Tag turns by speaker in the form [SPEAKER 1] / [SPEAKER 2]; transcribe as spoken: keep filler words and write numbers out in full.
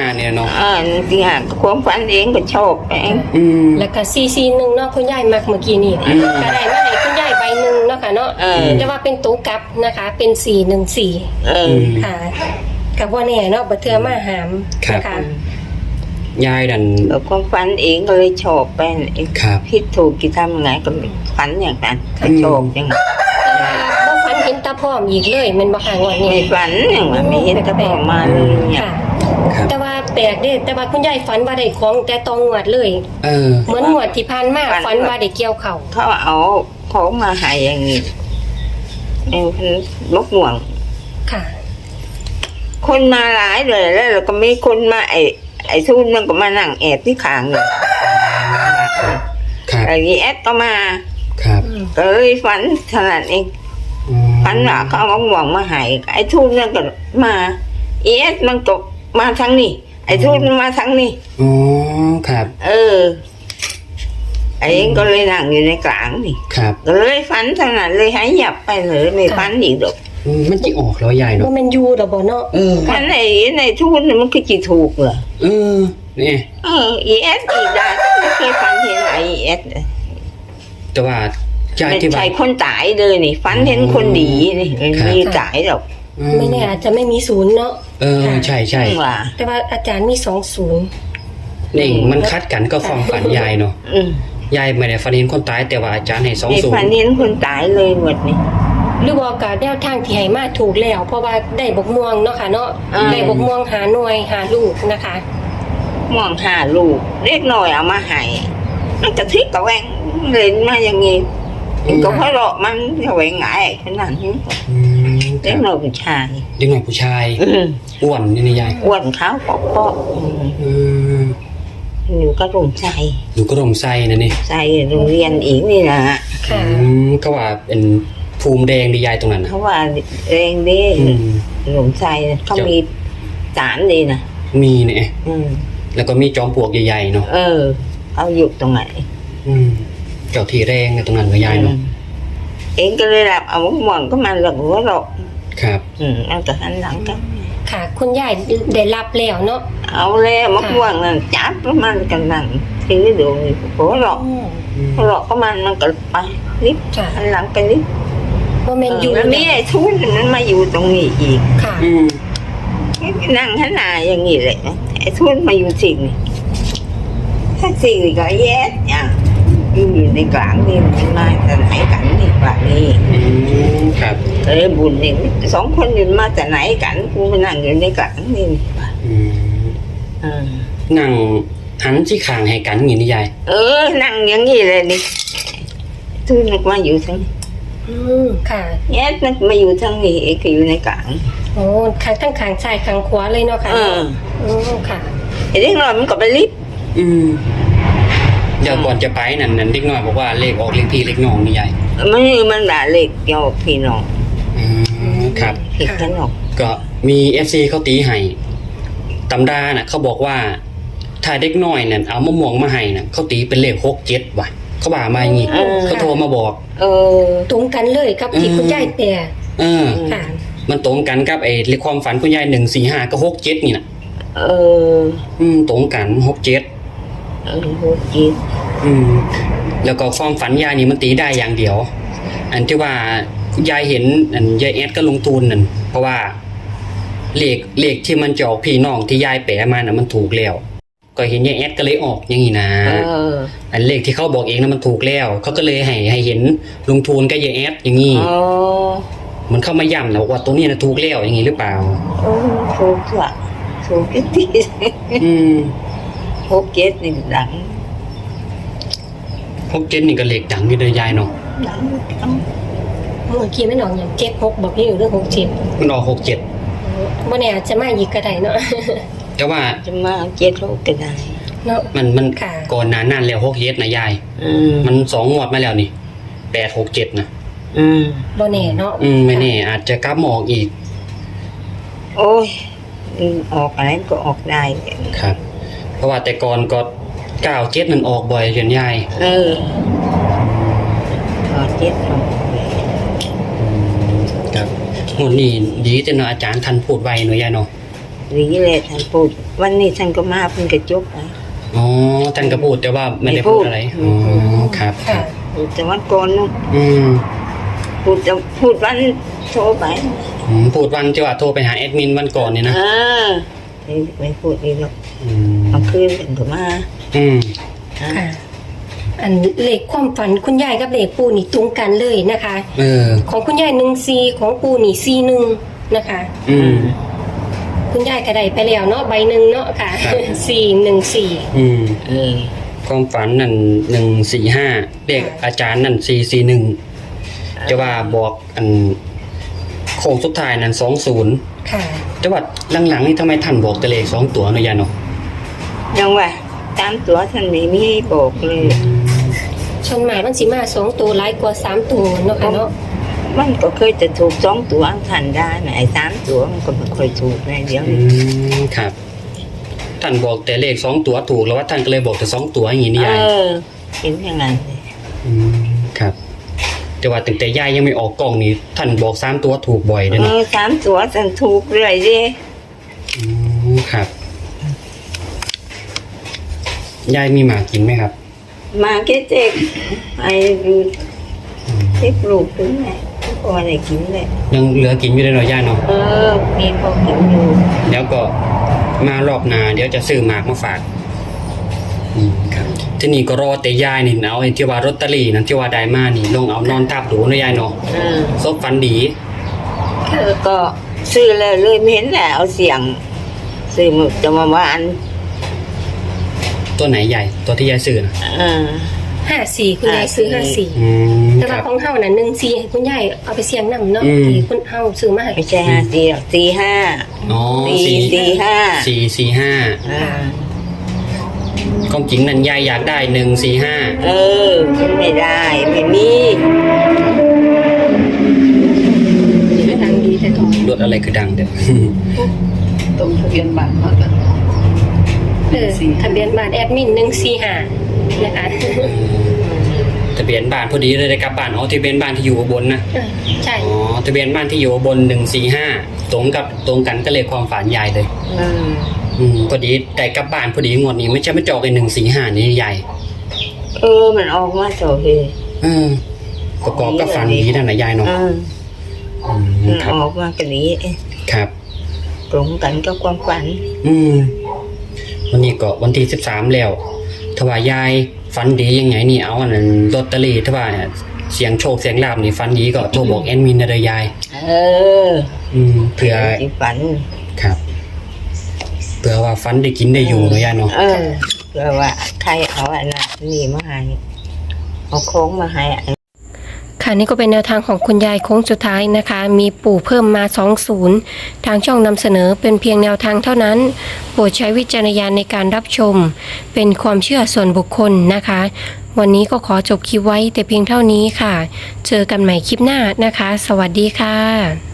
[SPEAKER 1] อ่าเนี่ยเนาะ
[SPEAKER 2] อ่าที่หาความฝันเองก็ชอบเอง
[SPEAKER 1] อืม
[SPEAKER 3] แล้วก็ซีซีหนึ่งเนาะคุณยายมักเมื่อกี้นี่ก็ได้มาให้คุณยายใบหนึ่งเนาะค่ะเนาะแต่ว่าเป็นตู้กลับนะคะเป็นสี่หนึ่งสี่ค่ะกับว่าเนี่ยเนาะบัเทือมาหามนะคะ
[SPEAKER 1] ยายดัน
[SPEAKER 2] แล้วความฝันเองก็เลยชอบไปเองคิดถูกกี่ทำยังไงก็ฝันอย่างนั้นก็ชอบอย่างนั้น
[SPEAKER 3] บ่ฝันเห็นตาพร้อมอีกเลยมันบ่ห่างวันนี้
[SPEAKER 2] ไม่ฝันอย่างว่าไม่เห็นตาพร้อมมาเลยเนี่ย
[SPEAKER 3] แต่ว่าแปลกเด้แต่ว่าคุณยายฝันว่าได้ของแต่ตองงวดเลย
[SPEAKER 1] เออ
[SPEAKER 3] เหมือนงวดที่ผ่านมาฝันว่าได้เกี่ยวเข่า
[SPEAKER 2] เขาเอาของมาให้อย่างนี้เองนกห่วง
[SPEAKER 3] ค่ะ
[SPEAKER 2] คนมาหลายเลยแล้วเราก็มีคนมาไอ้ไอ้ทุนมันก็มานั่งแอบที่ขางเลยไอ้แอดก็มา
[SPEAKER 1] ครับ
[SPEAKER 2] ก็เลยฝันขนาดเองฝันว่าเขาเอาห่วงมาให้ไอ้ทุนมันก็มาแอดมันก็มาทั้งนี้ไอ้ทุนมันมาทั้งนี้
[SPEAKER 1] อ๋อครับ
[SPEAKER 2] เออไอ้เองก็เลยนั่งอยู่ในกลางนี่
[SPEAKER 1] ครับ
[SPEAKER 2] ก็เลยฝันขนาดเลยหายหยับไปเลยไม่ฝันอีกดอก
[SPEAKER 1] มันจะออกแล้วใหญ่เนาะ
[SPEAKER 3] ว่ามันยูดอกบ่เนาะ
[SPEAKER 1] เออ
[SPEAKER 2] ฝันไอ้ในทุนมันคือจีถูกเหรอ
[SPEAKER 1] เออนี่
[SPEAKER 2] เออเอสอีได้ไม่เคยฝันเห็นไอเอส
[SPEAKER 1] แต่ว่า
[SPEAKER 2] ไม่ใช่คนตายเลยนี่ฝันเห็นคนดีนี่ไม่มีตายหรอก
[SPEAKER 3] ไม่แน่อาจจะไม่มีศูนย์เนาะ
[SPEAKER 1] เออใช่ใช่
[SPEAKER 3] แต่ว่าอาจารย์มีสองศูนย์
[SPEAKER 1] นี่มันคัดกันก็ความฝันยายเนาะยายไม่ได้ฝันเห็นคนตายแต่ว่าอาจารย์ให้สองศูนย์
[SPEAKER 2] ฝันเห็นคนตายเลยหมดนี่
[SPEAKER 3] หรือว่าการแนวทางที่ให้มาถูกแล้วเพราะว่าได้บกม่วงเนาะค่ะเนาะได้บกม่วงหาหน่วยหาลูกนะคะ
[SPEAKER 2] ม่วงหาลูกเล็กน้อยเอามาให้มันจะทิกกระแวงเล่นมาอย่างงี้ก็เพราะเรามันกระแวงไงขนาดนี้เล็กน้อยผู้ชาย
[SPEAKER 1] เด็กน้อยผู้ชายอ้วนนี่นี่ยาย
[SPEAKER 2] อ้วนขาวปอกปอกอยู่ก็ร่มใจ
[SPEAKER 1] อยู่ก็ร่มใจนะนี่
[SPEAKER 2] ใจโรงเรียนอีกนี่นะ
[SPEAKER 3] ค่ะ
[SPEAKER 1] ก็ว่าเป็นภูมิแดงดียายตรงนั้น
[SPEAKER 2] เขาว่าแดงดีหลงใจเขามีสารดีนะ
[SPEAKER 1] มีเนี่ยแล้วก็มีจอมปลวกใหญ่ๆเนาะ
[SPEAKER 2] เออเอาอยู่ตรงไหน
[SPEAKER 1] เจ้าที่แรงตรงนั้นก็ยายเนาะ
[SPEAKER 2] เองก็เลยรับเอาหมอนก็มาหลังหัวเรา
[SPEAKER 1] ครับ
[SPEAKER 2] อืมเอาแต่หันหลังกัน
[SPEAKER 3] ค่ะคุณยายได้รับแล้วเนาะ
[SPEAKER 2] เอาแล้วมะม่วงนั่นจับประมาณกันนั่งถือดูหัวเราหัวเราก็มันมันก็ไปลิฟต์หันหลังไปลิฟต์
[SPEAKER 3] ว่ามันอยู่
[SPEAKER 2] แล้วมีไอ้ทุนมันมาอยู่ตรงนี้อีก
[SPEAKER 3] ค่ะ
[SPEAKER 2] นั่งหันหน้าอย่างนี้เลยไอ้ทุนมาอยู่สิ่งนี้ถ้าสิ่งนี้ก็แย่เนี่ยอยู่ในกลางนี่มันมาแต่ไหนกันนี่กลางนี่
[SPEAKER 1] ครับ
[SPEAKER 2] เออบุญนี่สองคนอยู่มาแต่ไหนกันกูมานั่งอยู่ในกลางนี่
[SPEAKER 1] นั่งหันที่ข้างให้กันอย่างนี้ยาย
[SPEAKER 2] เออนั่งอย่างนี้เลยนี่ทุนมันมาอยู่ทั้ง
[SPEAKER 3] อืมค่ะ
[SPEAKER 2] แย่มันมาอยู่ทั้งนี้เองก็อยู่ในกลาง
[SPEAKER 3] โอ้ข้างทั้งข้างซ้ายข้างขวาเลยเนาะค่ะ
[SPEAKER 2] อืม
[SPEAKER 3] อืมค่ะ
[SPEAKER 2] ไอ้เด็กน้อยมันก็ไปลิฟต์
[SPEAKER 1] อืมเดี๋ยวก่อนจะไปนั่นนั่นเด็กน้อยบอกว่าเลขออกเลขพี่เลขน้องนี่ใหญ่
[SPEAKER 2] มันมันด่าเลขเกี่ยวกับพี่น้อง
[SPEAKER 1] อืมครับ
[SPEAKER 2] ผิดกันหรอก
[SPEAKER 1] ก็มีเอฟซีเขาตีให้ตำราน่ะเขาบอกว่าถ้าเด็กน้อยนั่นเอามะม่วงมาให้น่ะเขาตีเป็นเลขหกเจ็ดว่ะเขาบ่ามาอย่างงี้เขาโทรมาบอก
[SPEAKER 2] เออ
[SPEAKER 3] ตรงกันเลยครับที่คุณยายแปล
[SPEAKER 1] เออค่ะมันตรงกันกับไอ้เลขความฝันคุณยายหนึ่งสี่ห้าก็หกเจ็ดนี่น่ะ
[SPEAKER 2] เออ
[SPEAKER 1] อืมตรงกันหกเจ็ด
[SPEAKER 2] เออหกเจ็ด
[SPEAKER 1] อืมแล้วก็ความฝันยายนี่มันตีได้อย่างเดียวอันที่ว่ายายเห็นอันยายแอดก็ลงทุนนั่นเพราะว่าเลขเลขที่มันจะออกพี่น้องที่ยายแปะมาน่ะมันถูกแล้วก็เห็นยายแอดก็เลยออกอย่างนี้นะอันเลขที่เขาบอกเองนะมันถูกแล้วเขาก็เลยให้ให้เห็นลงทุนกับยายแอดอย่างนี้มันเข้ามาย้ำนะว่าตัวนี้นะถูกแล้วอย่างนี้หรือเปล่า
[SPEAKER 2] โอ้ถูกละถูกที่
[SPEAKER 1] อืม
[SPEAKER 2] หกเจ็ดนี่ดัง
[SPEAKER 1] หกเจ็ดนี่ก็เลขดังอยู่เลยยายเนาะ
[SPEAKER 2] ดัง
[SPEAKER 3] เมื่อกี้ไม่หนองอย่างเจ็ดหกบอกพี่อยู่เรื่องหกเจ็ด
[SPEAKER 1] มันออกหกเจ็ด
[SPEAKER 3] วันนี้อาจจะมาอีกก็ได้เนาะ
[SPEAKER 1] แต่ว่า
[SPEAKER 2] จะมาเจ็ดหกก็ได้
[SPEAKER 3] เนาะ
[SPEAKER 1] มันมันก่อนนานนั่นแล้วหกเจ็ดนะยายมันสองงวดมาแล้วนี่แปดหกเจ็ดนะ
[SPEAKER 2] อืม
[SPEAKER 3] บ่แน่เนาะ
[SPEAKER 1] อืมไม่แน่อาจจะกลับมาออกอีก
[SPEAKER 2] โอ้ยออกอะไรก็ออกได้
[SPEAKER 1] ครับเพราะว่าแต่ก่อนก็เก้าเจ็ดมันออกบ่อยจนยาย
[SPEAKER 2] เออเก้าเจ็ดออก
[SPEAKER 1] ครับงวดนี้ดีแต่เนาะอาจารย์ทันพูดไวหน่อยยายเนาะ
[SPEAKER 2] ดีเลยท่านพูดวันนี้ท่านก็มาเพิ่งกระจบนะ
[SPEAKER 1] อ๋อท่านก็พูดแต่ว่าไม่ได้พูดอะไรอ๋อครับค
[SPEAKER 3] ค่ะ
[SPEAKER 1] รับ
[SPEAKER 2] พูดแต่วันก่อนนู้น
[SPEAKER 1] อืม
[SPEAKER 2] พูดจะพูดวันโทรไป
[SPEAKER 1] อืมพูดวันที่ว่าโทรไปหาแอดมินวันก่อนเนี่ยนะ
[SPEAKER 2] เออไม่ไม่พูดอีกหรอก
[SPEAKER 1] อืม
[SPEAKER 2] เอาคืนท่านก็มา
[SPEAKER 1] อืม
[SPEAKER 2] อ่ะ
[SPEAKER 3] ค่ะ อันเลขความฝันคุณยายกับเลขปูนี่ตรงกันเลยนะคะ
[SPEAKER 1] เออ
[SPEAKER 3] ของคุณยายหนึ่งซีของปูนี่ซีหนึ่งนะคะ
[SPEAKER 1] อืม
[SPEAKER 3] คุณยายก็ได้ไปแล้วเนาะใบหนึ่งเนาะค่ะ
[SPEAKER 1] ครับ
[SPEAKER 3] สี่หนึ่งสี่
[SPEAKER 1] อืม
[SPEAKER 2] เออ
[SPEAKER 1] ความฝันนั่นหนึ่งสี่ห้าเลขอาจารย์นั่นสี่สี่หนึ่งจะว่าบอกอันโค้งสุดท้ายนั่นสองศูนย์
[SPEAKER 3] ค่ะ
[SPEAKER 1] จะว่าหลังๆนี่ทำไมท่านบอกแต่เลขสองตัวเนาะยายเนาะ
[SPEAKER 2] ยังว่าตามตัวท่านไม่มีให้บอกเลย
[SPEAKER 3] ชนหมายมันสิมาสองตัวร้ายกว่าสามตัวเนาะค่ะเนาะ
[SPEAKER 2] มันก็เคยจะถูกสองตัวท่านได้นะไอ้สามตัวมันก็ไม่ค่อยถูกนะเดี๋ยว
[SPEAKER 1] อื
[SPEAKER 2] นี้
[SPEAKER 1] มครับท่านบอกแต่เลขสองตัวถูกแล้วว่าท่านก็เลยบอกแต่สองตัวอย่างนี้นี่าย
[SPEAKER 2] เอยอเห็นอย่างนั้นเลย
[SPEAKER 1] อืมครับแต่ว่าตั้งแต่ยายยังไม่ออกกล้องนี่ท่านบอกสามตัวถูกบ่อยเลย
[SPEAKER 2] เอ
[SPEAKER 1] เนาะ
[SPEAKER 2] อสามตัวท่านถูกเรื่อยดิ
[SPEAKER 1] อืมครับยายมีหมากินไหมครับ
[SPEAKER 2] มาแค่เจ็บไอ้ดูเจ็บลูกถึงไหนพอได้กินเลย
[SPEAKER 1] ยังเหลือกินอยู่เลยเนาะย่าเนาะ
[SPEAKER 2] เออมีพอกินอยู่
[SPEAKER 1] แล้วก็มารอบหนาเดี๋ยวจะซื้อหมากมาฝากอืมครับ ที่นี่ก็รอแต่ยายนี่เอาไอ้ที่ว่าลอตเตอรี่นั่นที่ว่าได้มานี่ลงเอานอนทับดูเนาะยายเนาะ
[SPEAKER 2] เออ
[SPEAKER 1] ซบฟันดี
[SPEAKER 2] เออก็ซื้อเลยเลยไม่เห็นแหละเอาเสียงซื้อมาจะมาว่าอัน
[SPEAKER 1] ตัวไหนใหญ่ ตัวที่ยายซื้อนะ
[SPEAKER 2] เออ
[SPEAKER 3] ห้าสี่คุณยายซื้อห้าสี่
[SPEAKER 1] อืม
[SPEAKER 3] แต่
[SPEAKER 1] ค
[SPEAKER 3] ว่า
[SPEAKER 1] รับ
[SPEAKER 3] ของเฮาน่ะหนึ่งสี่ให้คุณยายเอาไปเสี่ยงนำเนาะ
[SPEAKER 1] อืม
[SPEAKER 3] ที่คุณเฮาซื้อมาให้
[SPEAKER 2] ไม่ใช่ห้าสี่หรอกสี่ห้า
[SPEAKER 1] อ๋อ
[SPEAKER 2] สี่
[SPEAKER 1] สี่
[SPEAKER 2] สี่ห้า
[SPEAKER 1] สี่สี่ห้า
[SPEAKER 2] อ่า
[SPEAKER 1] ความจริงนั่นยายอยากได้หนึ่งสี่ห้า
[SPEAKER 2] เออมันไม่ได้ไม่มี
[SPEAKER 3] ดังดีแต่ตรง
[SPEAKER 1] รถอะไรคือดังเด้อ
[SPEAKER 4] ตรงทะเบียนบ้านเขากัน
[SPEAKER 3] เออทะเบียนบ้านแอดมินหนึ่งสี่ห้านะคะ
[SPEAKER 1] ทะเบียนบ้านพอดีเลยได้กลับบ้านอ๋อทะเบียนบ้านที่อยู่อุบลนะ
[SPEAKER 3] เออใช่
[SPEAKER 1] อ๋อทะเบียนบ้านที่อยู่อุบลหนึ่งสี่ห้าตรงกับตรงกันก็เลยความฝันยายเลย
[SPEAKER 2] อืม
[SPEAKER 1] อืมพอดีได้กลับบ้านพอดีงวดนี้ไม่ใช่ไม่จอกไอ้หนึ่งสี่ห้านี่ใหญ่
[SPEAKER 2] เออมันออกมาโสเฮ
[SPEAKER 1] เออประกอบกับฝันดีนั่นนะยายเนาะ
[SPEAKER 2] อืม
[SPEAKER 1] อืม
[SPEAKER 2] มัน
[SPEAKER 1] ครับ
[SPEAKER 2] ออกมากันนี้เอ๊ะ
[SPEAKER 1] ครับ
[SPEAKER 2] ตรงกันกับความฝัน
[SPEAKER 1] อืมวันนี้ก็วันที่สิบสามแล้วถ้าว่ายายฝันดียังไงนี่เอาอันนั้นลอตเตอรี่ถ้าว่าเนี่ยเสียงโชคเสียงลาบนี่ฝันดีก็โทรบอกแอดมินนะเด้อยาย
[SPEAKER 2] เออ
[SPEAKER 1] อืมเผื่อ
[SPEAKER 2] ที่ฝัน
[SPEAKER 1] ครับเผื่อว่าฝันได้กินได้อยู่เนาะยายเนาะ
[SPEAKER 2] เออเพื่อว่าใครเอาอันนั้นนี่มาให้เอาโค้งมาให้อัน
[SPEAKER 3] ค่ะนี่ก็เป็นแนวทางของคุณยายโค้งสุดท้ายนะคะ มีปู่เพิ่มมาสองศูนย์ทางช่องนำเสนอเป็นเพียงแนวทางเท่านั้นโปรดใช้วิจารณญาณในการรับชม เป็นความเชื่อส่วนบุคคลนะคะ วันนี้ก็ขอจบคลิปไว้แต่เพียงเท่านี้ค่ะ เจอกันใหม่คลิปหน้านะคะ สวัสดีค่ะ